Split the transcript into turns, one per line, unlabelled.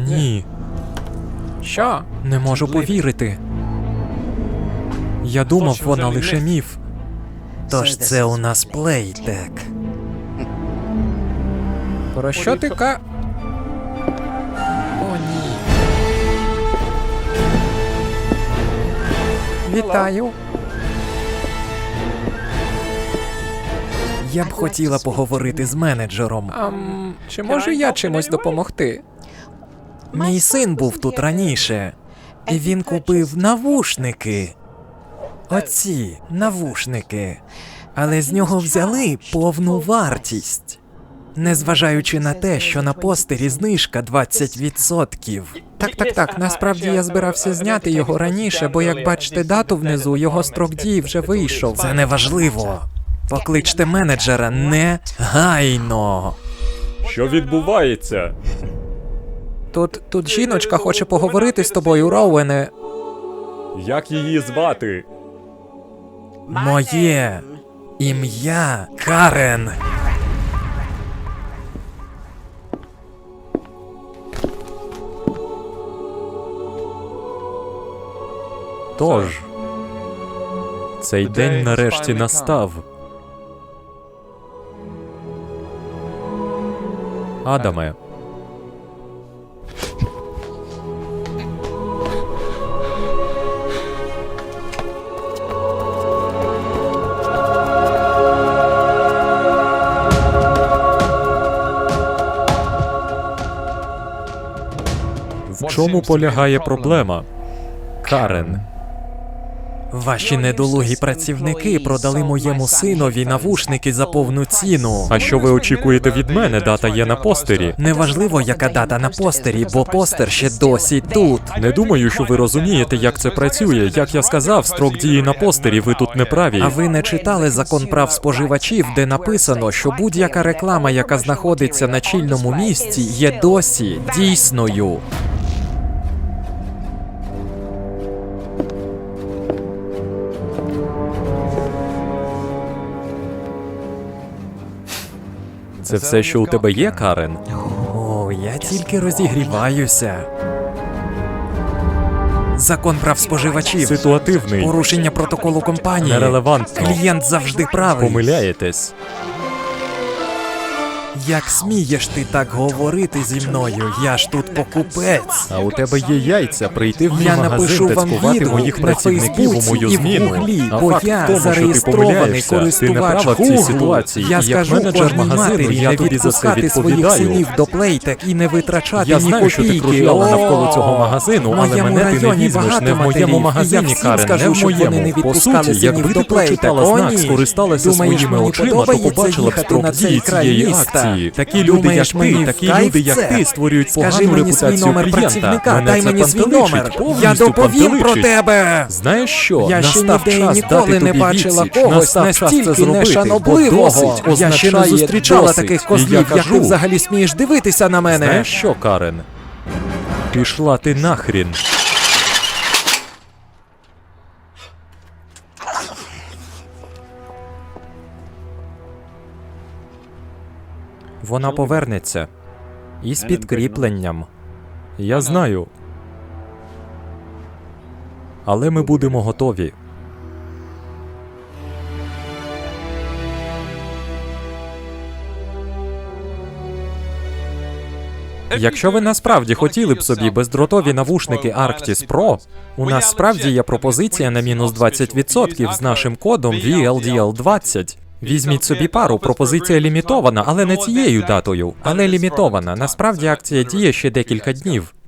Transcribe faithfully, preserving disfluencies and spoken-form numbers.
Ні.
Що?
Не можу повірити. Я думав, вона лише міф. Тож це у нас плейтек.
Про що ти ка... О, ні. Вітаю.
Я б хотіла поговорити з менеджером.
Ам, чи можу я чимось допомогти?
Мій син був тут раніше, і він купив навушники. Оці навушники. Але з нього взяли повну вартість. Незважаючи на те, що на постері знижка двадцять відсотків.
Так, так, так, насправді я збирався зняти його раніше, бо як бачите дату внизу, його строк дії вже вийшов.
Це не важливо. Покличте менеджера негайно.
Що відбувається?
Тут, тут жіночка хоче поговорити з тобою, Роуене.
Як її звати?
Моє ім'я Карен.
Тож, цей день нарешті настав. Адаме. В чому полягає проблема, Карен?
Ваші недолугі працівники продали моєму синові навушники за повну ціну.
А що ви очікуєте від мене? Дата є на постері.
Неважливо, яка дата на постері, бо постер ще досі тут.
Не думаю, що ви розумієте, як це працює. Як я сказав, строк дії на постері, ви тут не праві.
А ви не читали закон прав споживачів, де написано, що будь-яка реклама, яка знаходиться на чільному місці, є досі дійсною.
Це все, що у тебе є, Карен?
О, я тільки розігріваюся. Закон прав споживачів.
Ситуативний.
Порушення протоколу компанії.
Нерелевантно.
Клієнт завжди правий.
Помиляєтесь.
Як смієш ти так говорити зі мною? Я ж тут покупець.
А у тебе є яйця прийти в мій
Я
магазин
напишу
та
вам
цькувати
відгук
моїх
на
працівників у
Фейсбуці
мою
і в
зміну.
Гуглі,
А
бо
факт
я
в тому, що ти
зареєстрований
помиляєшся. Ти не
користувач
права в цій
Гуглу.
ситуації.
Я
І як
скажу
менеджер
кожній
магазину,
матері
я
не
тобі за це
відпускати своїх
відповідаю.
синів до плейтек і не витрачати
Я
ні
знаю, що ти
копійки.
кружляла
О,
навколо цього магазину,
в
але
моєму
мене ти не
районі
візьмеш
багато
не в моєму
матерів, і я
магазині,
всім
Карен,
скажу,
не в
щоб вони не
моєму. По
відпускали
суті,
синів
якби
до
ти прочитала
плейтек. О,
знак,
ні.
скористалася
Думаєш,
своїми
мені
очима, то
подобається
побачила б
їхати
строк
на цей
дії
край
цієї
міста?
акції. Такі люди,
Думаєш,
як
мені
ти,
в
такі
кайф
люди, як
це?
ти, створюють
Скажи
погану
мені свій
репутацію
номер
клієнта.
працівника,
Мене
дай
це
мені свій
пантеличить,
номер. Я
повністю
доповім про
пантеличить.
тебе.
Знаєш що?
Я ще
Настав
ніде і
час
ніколи
дати
не
тобі
бачила
відсіч.
когось
Настав час це
настільки
зробити,
нешанобливого.
бо досить
Я ще не
означає
зустрічала
досить.
таких
І
козлів,
я
як ти
кажу,
взагалі смієш дивитися на мене.
Знаєш що, Карен? Пішла ти нахрін.
Вона повернеться. І з підкріпленням.
Я знаю. Але ми будемо готові.
Якщо ви насправді хотіли б собі бездротові навушники Arctis Pro, у нас справді є пропозиція на мінус двадцять відсотків з нашим кодом ві ел ді ел двадцять. Візьміть собі пару, пропозиція лімітована, але не цією датою, але лімітована. Насправді акція діє ще декілька днів.